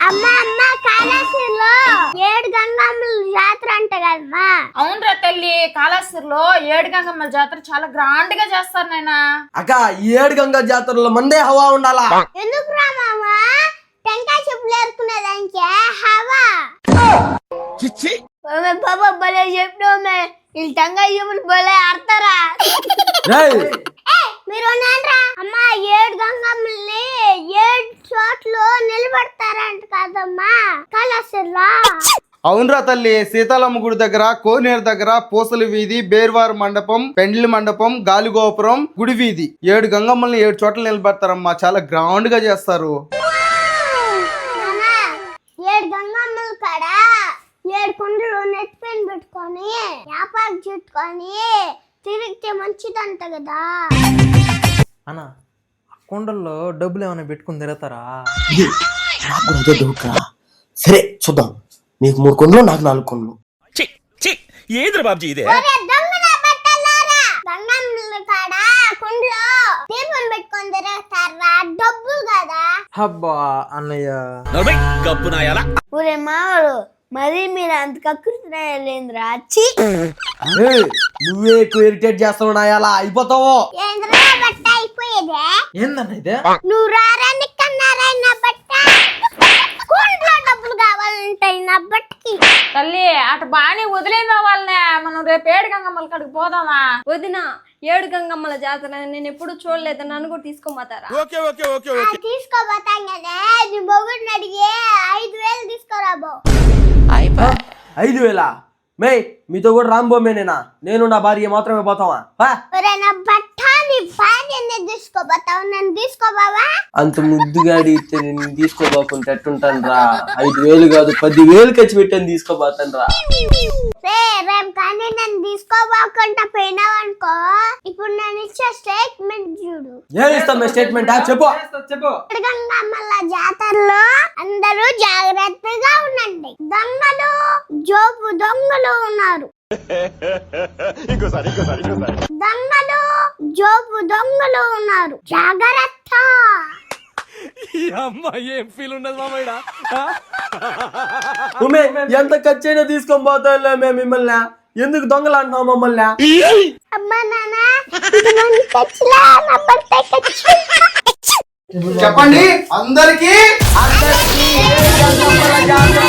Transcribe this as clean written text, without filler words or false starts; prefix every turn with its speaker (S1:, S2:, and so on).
S1: అమ్మ అమ్మ కాళేశ్వరిలో 7 గంగమ్మల జాతర అంట కదమ్మా.
S2: అవునరా తల్లి, కాళేశ్వరిలో 7 గంగమ్మల జాతర చాలా గ్రాండ్ గా చేస్తారు నాయనా.
S3: అక్క 7 గంగా జాతరలో మందే హవా ఉండాలా.
S1: ఎందుకు రా మామా, టెంకాయ చెప్పులు ఏరుకునేదానికే హవా. బాబా భలే చెప్పినోమే, ఈ టెంకాయ చెప్పులు భలే ఆడతారా. మీరు నాన్రా అమ్మా, 7 గంగమ్మల్ని 7 చోట్ల నిలబడతారంట కదమ్మా కాళేశ్వరిలో.
S4: అవునరా తల్లి, సీతాలమ్మ గుడి దగ్గర, కోనేరు దగ్గర, పూసల వీధి, బేర్వారు మండపం, పెండ్లి మండపం, గాలిగోపురం, గుడి వీధి 7 గంగమ్మల్ని 7 చోట్ల నిలబడతారమ్మా. చాలా గ్రౌండ్ గా చేస్తారు.
S1: 7 గంగమ్మల కాడ 7 కుండలు నెత్తిపైన పెట్టుకొని వ్యాపారం చుట్టుకొని తిరిగితే మంచిదంట కదా
S5: అన్న. కొండల్లో డబ్బులు ఏమైనా పెట్టుకుని తిరుగుతారా?
S3: నాకు అదే డౌట్ రా. సరే చూద్దాం, నీకు 3 కొండలు, నాకు 4 కొండలు.
S1: గంగమ్మల కాడ కుండలో దీపం పెట్టుకొని తిరుగుతారా, డబ్బులు కదా.
S5: అబ్బా అన్నయ్య,
S1: ఊరే మావాడు, మరి మీరు అంత కక్కుతున్నాయలేంద్రా.
S3: నువ్వే ఎక్కువ ఇరిటేట్ చేస్తావు నాయాలా, అయిపోతావు.
S1: ఏంద్రా బట్ట అయిపోయేదే,
S5: ఏందన్న ఇదే?
S1: నువ్వు రారా నిక్కన్నారా నా బట్ట. కుండలో డబ్బులు కావాలంటాయి నా బట్టకి.
S2: తల్లి అటు బాగానే వదిలేదా వాళ్ళనే, మనం రేపు 7 గంగమ్మల కాడికి పోదామా?
S6: వదిన 7 గంగమ్మల జాతర నేను ఎప్పుడు చూడలేదు, నన్ను కూడా తీసుకోమాతారా?
S1: తీసుకోబోతాం కదా, నీ మొగుడిని అడిగి 5,000 తీసుకోరాబో.
S3: 5,000 మే మీతో కూడా రాంబోమేనేనా? నేను నా భార్య మాత్రమే పోతావా?
S1: నా బట్ట నీ భార్యనే తీసుకోబోతావు, నన్ను తీసుకోబావా?
S3: అంత ముద్దుగా అడిగితే నేను తీసుకోబోకుంటే ఎట్టుంటాను రా. 5,000 కాదు 10,000 ఖర్చు పెట్టాను తీసుకోబోతాను రా.
S1: రేపు కానీ నన్ను తీసుకోబోకుండా పోయినావు అనుకో, ఇప్పుడు నేను ఇచ్చే స్టేట్మెంట్ చూడు.
S3: ఏమి ఇస్తాం స్టేట్మెంట్? చెప్పు.
S1: గంగమ్మల జాతరలో అందరూ జాగ్రత్తగా ఉండండి. దొంగలు, జోబు దొంగలు ఉన్నారు. దొంగలు, జోబు దొంగలు ఉన్నారు, జాగ్రత్త.
S3: ఎంత ఖర్చు అయినా తీసుకొని పోతాంలే మేము మిమ్మల్ని. ఎందుకు దొంగలు అంటున్నావు మమ్మల్ని?
S1: అమ్మా నాన్న, ఇది నన్ను తెచ్చిలా, నా భర్త తెచ్చి.
S4: చెప్పండి అందరికి.
S3: అందరికీ